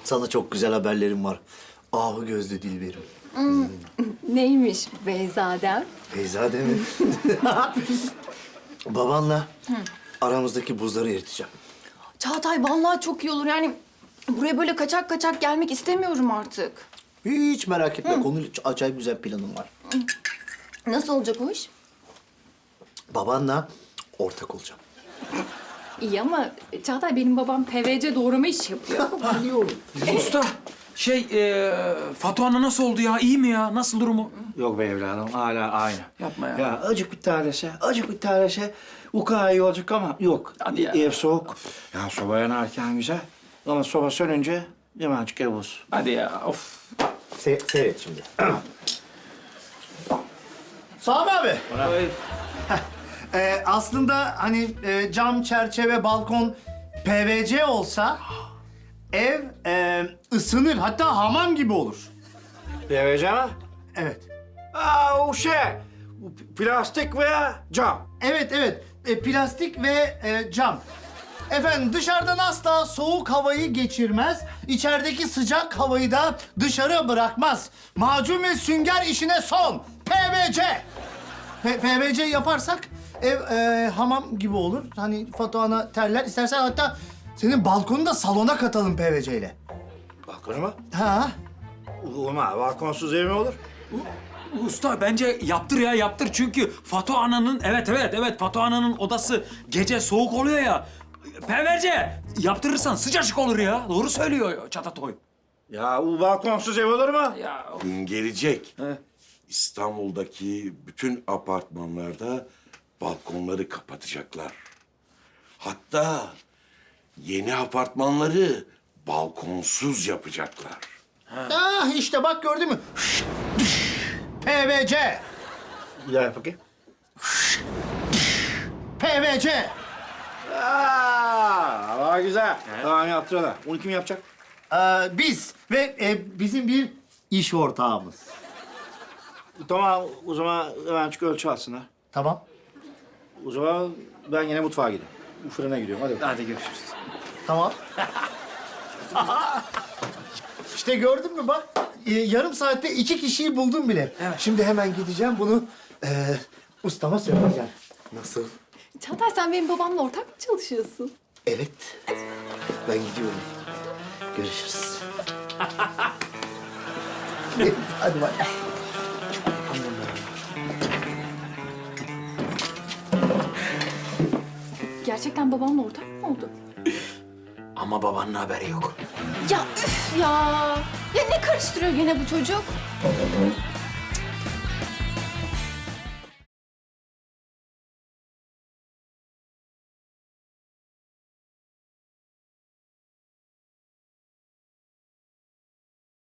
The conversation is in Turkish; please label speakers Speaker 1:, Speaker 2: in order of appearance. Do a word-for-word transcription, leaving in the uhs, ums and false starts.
Speaker 1: Sana çok güzel haberlerim var. Ahu gözlü Dilberim.
Speaker 2: Neymiş Beyzadem?
Speaker 1: Beyza değil mi? Babanla aramızdaki buzları eriteceğim.
Speaker 2: Çağatay vallahi çok iyi olur yani. Buraya böyle kaçak kaçak gelmek istemiyorum artık.
Speaker 1: Hiç merak etme. Konuyla acayip güzel planım var.
Speaker 2: Nasıl olacak o iş?
Speaker 1: Babanla ortak olacağım.
Speaker 2: İyi ama Çağatay benim babam P V C doğrama iş yapıyor.
Speaker 1: Biliyorum.
Speaker 3: Usta, şey, e, Fatu Ana nasıl oldu ya? İyi mi ya? Nasıl durumu?
Speaker 4: Yok be evladım, hala aynı.
Speaker 3: Yapma ya.
Speaker 4: Ya acık bir tanesi, acık bir tanesi ukala iyi olacak ama yok.
Speaker 3: Hadi ya.
Speaker 4: Ev soğuk. Ya soba yanarken güzel ama soba sönünce hemencik ev buz.
Speaker 3: Hadi ya, of.
Speaker 1: Se seyret şimdi. Sami abi.
Speaker 4: Ay,
Speaker 1: Ee, aslında hani e, cam, çerçeve, balkon P V C olsa ev e, ısınır. Hatta hamam gibi olur.
Speaker 4: P mi?
Speaker 1: Evet.
Speaker 4: Aa o şey, bu plastik veya cam.
Speaker 1: Evet, evet. E, plastik ve e, cam. Efendim dışarıdan asla soğuk havayı geçirmez. İçerideki sıcak havayı da dışarı bırakmaz. Macun ve sünger işine son. P V C. P- PVC yaparsak ev e, hamam gibi olur. Hani Fatuhan'a terler. İstersen hatta senin balkonu da salona katalım P V C ile.
Speaker 4: Balkonu mu?
Speaker 1: Ha?
Speaker 4: Olmaz, balkonsuz ev mi olur?
Speaker 3: Usta bence yaptır ya, yaptır. Çünkü Fatu Ana'nın, evet evet evet Fatu Ana'nın odası gece soğuk oluyor ya. P V C yaptırırsan sıcacık olur ya. Doğru söylüyor Çatatoy.
Speaker 4: Ya bu balkonsuz ev olur mu?
Speaker 3: Ya of.
Speaker 5: Gün gelecek.
Speaker 3: He.
Speaker 5: İstanbul'daki bütün apartmanlarda balkonları kapatacaklar. Hatta yeni apartmanları balkonsuz yapacaklar.
Speaker 1: Ah işte bak gördün mü? P V C.
Speaker 4: Bir daha yap bakayım.
Speaker 1: P V C.
Speaker 4: Aa, hava güzel. Tamam yaptırıyorlar. Onu kim yapacak?
Speaker 1: Ee, biz ve e, bizim bir iş ortağımız.
Speaker 4: Tamam, o zaman hemen çık ölçü alsınlar.
Speaker 1: Tamam.
Speaker 4: O zaman ben yine mutfağa gidiyorum. Bu fırına gidiyorum. Hadi bakalım.
Speaker 3: Hadi görüşürüz.
Speaker 1: Tamam. İşte gördün mü bak, e, yarım saatte iki kişiyi buldum bile. Şimdi hemen gideceğim bunu e, ustama söyleyeceğim. Nasıl?
Speaker 2: Çağatay sen benim babamla ortak mı çalışıyorsun?
Speaker 1: Evet. Ben gidiyorum. Görüşürüz. Hadi bak.
Speaker 2: Gerçekten babamla ortak mı oldu?
Speaker 3: Ama babanın haberi yok.
Speaker 2: Ya üf ya! Ya ne karıştırıyor gene bu çocuk?